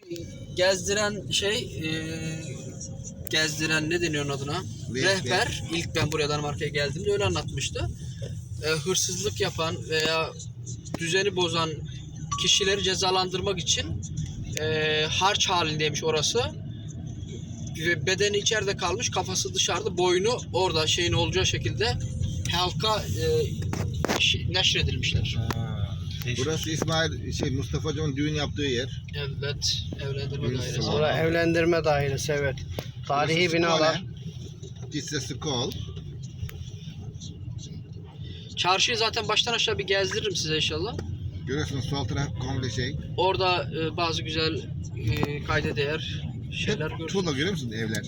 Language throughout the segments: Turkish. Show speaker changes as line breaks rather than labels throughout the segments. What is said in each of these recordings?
gezdiren gezdiren ne deniyor onun adına? Rehber. İlk ben buraya Danimarka'ya geldiğimde öyle anlatmıştı. Hırsızlık yapan veya düzeni bozan kişileri cezalandırmak için harç halindeymiş orası. Bedeni içeride kalmış, kafası dışarıda, boynu orada şeyin olacağı şekilde halka neşredilmişler.
Burası Mustafa Hoca'nın düğün yaptığı yer.
Evet, evlendirme dairesi.
Orada evlendirme dairesi, evet. Tarihi binalar.
This is the call.
Çarşıyı zaten baştan aşağı bir gezdiririm size inşallah.
Görüyorsunuz sol taraf komple
Orada bazı güzel kayda değer şeyler görüyorsunuz.
Tuğla görüyor musunuz evler?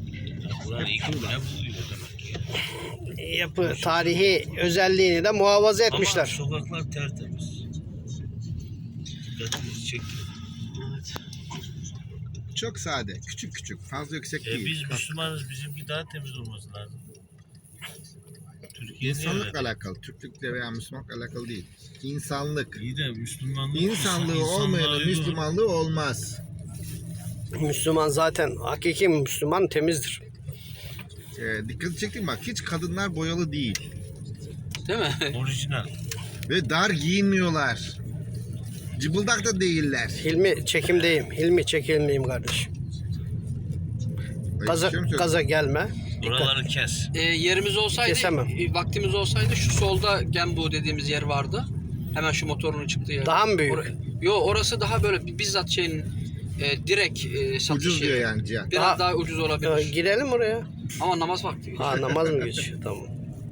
Yapı tarihi özelliğini de muhafaza etmişler.
Ama sokaklar tertemiz. Dikkatimizi çekti.
Evet.
Çok sade, küçük küçük, fazla yüksek değil.
Biz Müslümanız, bizimki daha temiz olması lazım. Türkiye'de
İnsanlıkla alakalı, Türklükle veya Müslümanlıkla alakalı değil. İnsanlık.
İyi de Müslümanlık.
İnsanlığı olmayanın Müslümanlığı olmaz.
Müslüman zaten, hakiki Müslüman temizdir.
Dikkat çektim bak, hiç kadınlar boyalı değil.
Değil mi?
Orijinal.
Ve dar giyinmiyorlar. Cıbıldak da değiller.
Hilmi çekimdeyim. Hilmi çekilmeyeyim kardeşim. Gaza gelme.
Buraları kes.
Yerimiz olsaydı,
Kesemem.
vaktimiz olsaydı şu solda Gembu dediğimiz yer vardı. Hemen şu motorun çıktığı yer.
Daha mı büyük?
Orası daha böyle bizzat direkt satış
Ucuz diyor
yeri.
yani Cihan.
Biraz daha ucuz olabilir.
Girelim oraya.
Ama namaz vakti.
Ha, namaz mı geçiyor? Tamam.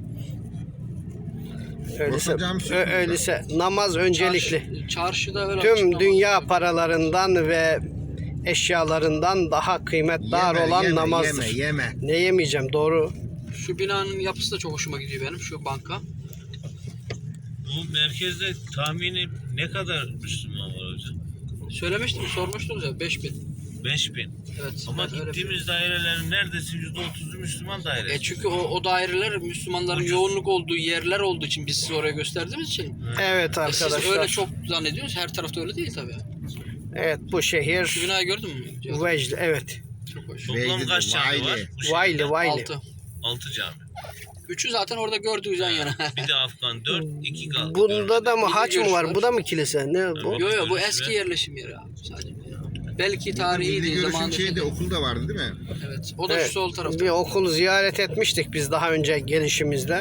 Hocam,
Öyleyse namaz öncelikli.
Çarşıda öyle
Tüm
açık
dünya
namaz.
paralarından ve eşyalarından daha kıymetdar olan namazdır.
Yeme.
Ne yemeyeceğim, doğru.
Şu binanın yapısı da çok hoşuma gidiyor benim, şu banka.
Bu merkezde tahmini ne kadar Müslüman var hocam?
Söylemiştim, sormuştunuz ya 5000.
5000.
Evet.
Ama
ben öyle
gittiğimiz dairelerin neredeyse %30'u Müslüman dairesi.
çünkü o daireler Müslümanların yoğunluk olduğu yerler olduğu için biz size oraya gösterdiğimiz için.
Evet
Siz
arkadaşlar.
öyle çok zannediyorsunuz. Her tarafta öyle değil tabii.
Evet, bu şehir
Şu binayı gördün mü?
Vecd, evet.
Çok hoş.
Toplam kaç cami var?
Vayli.
6.
Cami.
3'ü zaten orada gördüğünüz yan yana.
Bir de Afgan 4, 2 kaldı.
Bunda da mı
Bir
haç
de
mı var?
görüş
Bu da mı kilise? Ne bu?
Yo bu eski yerleşim yeri abi sadece. Belki tarihi
Milli
değil
Görüş'ün
zamanında.
şeyde okulda vardı değil mi?
Evet. O da
Evet,
şu sol tarafta.
bir okul ziyaret etmiştik biz daha önce gelişimizde.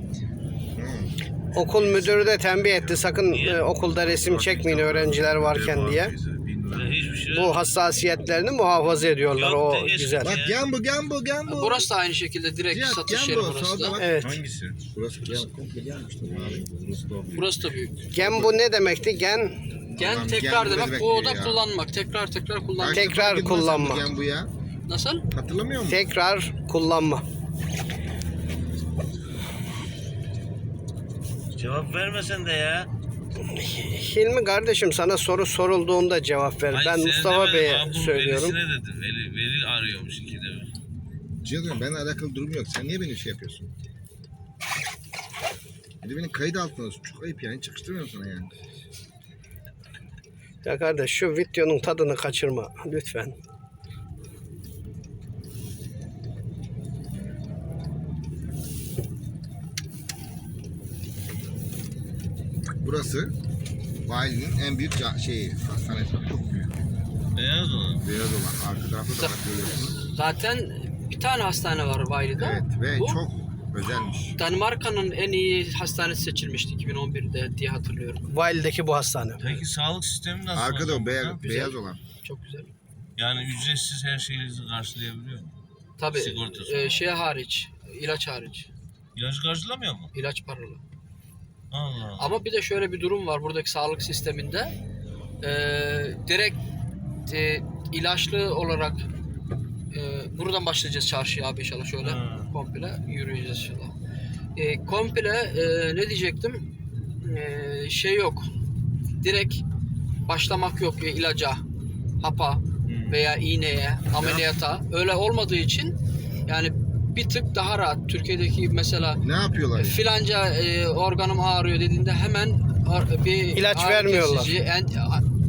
Okul müdürü de tembih etti, sakın okulda resim çekmeyin öğrenciler varken diye.
Hiçbir şey
Bu hassasiyetlerini muhafaza ediyorlar,
Yok,
o
de geçti.
güzel.
Bak Gembu.
Burası da aynı şekilde direkt
Cihat,
satış yeri
Gembu,
burası
solda
da.
bak.
Evet.
Hangisi? Burası komple gelmişti.
Burası da büyük.
Gen bu ne demekti? Gen
Gen tekrar
gen
demek,
demek
bu da
ya.
kullanmak. Tekrar kullanmak.
Tekrar kullanmak.
Gembu ya.
Nasıl?
Hatırlamıyor musun?
tekrar kullanma.
Cevap vermesen de ya.
Hilmi kardeşim, sana soru sorulduğunda cevap ver.
Hayır,
Ben
sen
Mustafa
demedin,
Bey'e
abi, bu
söylüyorum.
Velisine dedim. Veli arıyormuş ikide bir.
Cihan benimle alakalı durum yok. Sen niye benim şey yapıyorsun? Bir de beni kayıt altına alıyorsun. Çok ayıp yani. Çıkıştırmıyorum sana yani.
Ya kardeş, şu videonun tadını kaçırma lütfen.
Burası Vali'nin en büyük hastanesi. Çok büyük.
Beyaz olan.
Beyaz olan. Arka tarafta da bak görüyorsunuz.
Zaten bir tane hastane var Vayli'de.
Evet ve
Bu,
çok özelmiş.
Danimarka'nın en iyi hastanesi seçilmişti 2011'de diye hatırlıyorum.
Vali'deki bu hastane.
Peki sağlık sistemi nasıl?
Arkada o
hocam
beyaz,
burada?
beyaz olan.
Çok güzel.
Yani ücretsiz her şeyinizi karşılayabiliyor mu?
Tabii
Sigortası.
hariç, ilaç hariç.
İlacı karşılamıyor mu?
İlaç paralı.
Allah Allah.
Ama bir de şöyle bir durum var buradaki sağlık sisteminde. Direkt ilaçlı olarak buradan başlayacağız çarşıya abi inşallah şöyle. Komple yürüyeceğiz inşallah. Komple ne diyecektim? Yok. Direkt başlamak yok ilaca, hapa veya iğneye, ameliyata. Öyle olmadığı için yani bir tık daha rahat. Türkiye'deki mesela
Ne yapıyorlar? Yani?
filanca organım ağrıyor dediğinde hemen bir
İlaç
ağrı
vermiyorlar.
kesici,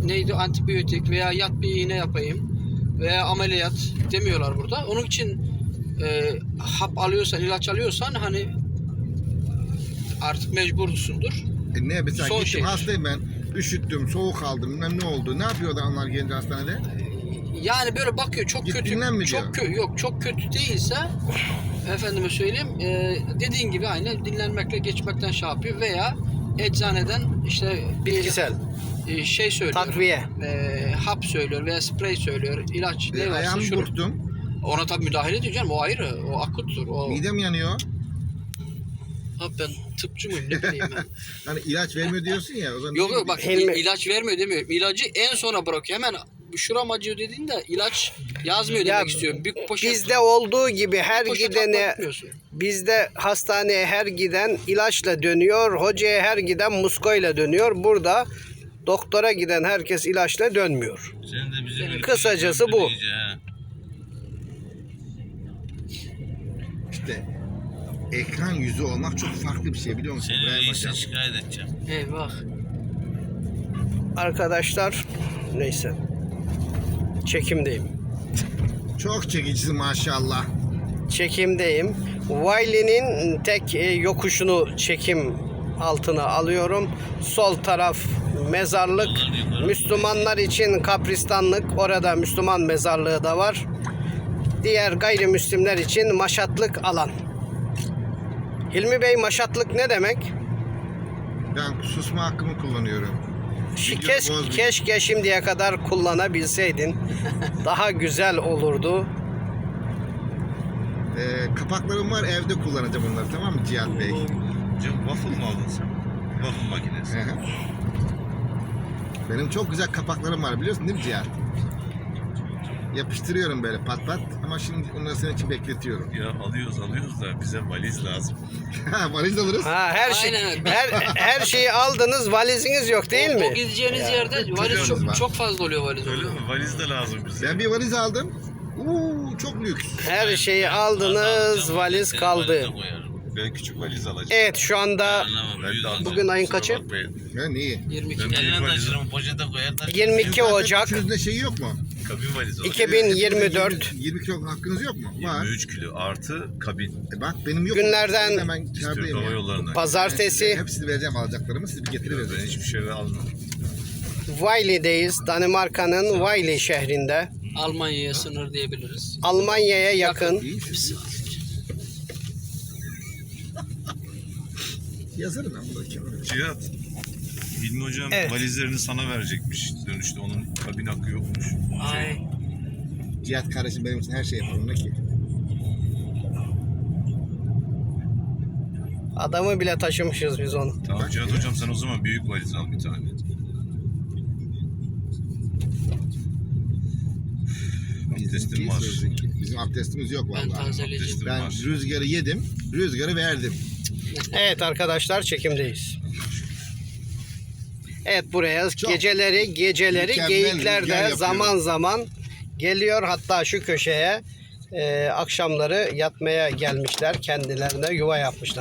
neydi antibiyotik veya yat bir iğne yapayım veya ameliyat demiyorlar burada. Onun için hap alıyorsan, ilaç alıyorsan hani artık mecbursundur.
Ne mesela
Son
gittim
şey.
hastayım ben. Üşüttüm, soğuk aldım, bilmem ne oldu. Ne yapıyor adamlar gelince hastanede?
Yani böyle bakıyor çok
Git
kötü,
dinlen mi
çok
diyor?
yok çok kötü değilse efendime söyleyeyim dediğin gibi aynı dinlenmekle geçmekten şey yapıyor veya eczaneden işte bir
Bitkisel.
Şey söylüyor.
Takviye.
Hap söylüyor veya sprey söylüyor. İlaç ne varsa
Ayağımı
şurup.
burktum.
Ona tabii müdahale ediyor canım. O ayrı. O akuttur. O
Midem yanıyor.
Abi ben tıpçı mıyım ne bileyim ben.
Hani ilaç vermiyor diyorsun ya. O zaman
Yok yok bak
Hilmi-
ilaç vermiyor demiyorum. İlacı en sona bırakıyor. Hemen şuram acıyor dediğinde ilaç yazmıyor
Ya
demek istiyorum. Bir poşet,
Bizde olduğu gibi her
poşet
gidene,
atlatmıyorsun.
bizde hastaneye her giden ilaçla dönüyor, hocaya her giden muskoyla dönüyor. Burada doktora giden herkes ilaçla dönmüyor.
Sen de bizi böyle
Kısacası bu.
iyice ha.
İşte ekran yüzü olmak çok farklı bir şey biliyor musun?
Seni
İbrahim
reise
Hocam?
şikayet edeceğim.
Eyvah.
Arkadaşlar neyse. Çekimdeyim.
Çok çekicisi maşallah.
Çekimdeyim. Wiley'nin tek yokuşunu çekim altına alıyorum. Sol taraf mezarlık. Müslümanlar için kapristanlık. Orada Müslüman mezarlığı da var. Diğer gayrimüslimler için maşatlık alan. Hilmi Bey maşatlık ne demek?
Ben susma hakkımı kullanıyorum.
Keşke şimdiye kadar kullanabilseydin. Daha güzel olurdu.
Kapaklarım var evde kullanacağım onları tamam mı Cihat Bey?
Hocam waffle mı aldın sen? Waffle makinesi.
Hı hı. Benim çok güzel kapaklarım var biliyorsun değil mi Cihat? Yapıştırıyorum böyle pat pat ama şimdi onları senin için bekletiyorum.
Ya alıyoruz da bize valiz lazım.
Valiz alırız.
Ha,
Aynen.
her şeyi aldınız, valiziniz yok değil
O
mi?
gideceğiniz yerde valiz
Valiz var.
çok fazla oluyor valiz
Öyle
oluyor.
mi? Valiz de lazım bize.
Ben bir valiz aldım. Çok lüks.
Her şeyi aldınız, valiz
Seni
kaldı.
valize koyarım.
Ben küçük valiz alacağım.
Evet şu anda
Anlamam.
Ben de alacağım.
Bugün ayın
Kusura
kaçı?
bakmayın.
Ya neyi?
22.
Ben büyük
Eline
valizi-
taşırım poşete koyar da.
22 Ocak
Üçünüzde şeyi yok mu?
Kabin valizi alacağım.
2024
20 kilo hakkınız yok mu? Var.
23 kilo artı kabin.
Bak benim yok.
Günlerden-
Ben hemen
Türk
kârdayım
Hava
ya.
Yolları'ndan.
Pazartesi
Hepsini vereceğim alacaklarımı. Siz bir
Ben
getirivereceksiniz.
hiçbir şey almam.
Wiley'deyiz. Danimarka'nın Wiley şehrinde.
Almanya'ya sınır diyebiliriz.
Almanya'ya yakın.
İyi. Yazarım ben bunu kenara.
Cihat. Hilmi hocam
Evet.
valizlerini sana verecekmiş dönüşte. Onun kabin hakkı yokmuş.
Ay.
Cihat kardeşim benim için her şey yapar. Ne ki?
Adamı bile taşımışız biz onu.
Tamam Cihat hocam sen o zaman büyük valiz al bir tane. Abdestim var.
Bizim abdestimiz yok
Ben
vallahi.
tazeleyeceğim.
Abdestim
Ben
var.
rüzgarı yedim, rüzgarı verdim.
Evet arkadaşlar çekimdeyiz. Evet buraya
Çok
geceleri
mükemmel
geyikler
rüzgar
de
yapıyor.
zaman zaman geliyor. Hatta şu köşeye akşamları yatmaya gelmişler. Kendilerine yuva yapmışlar.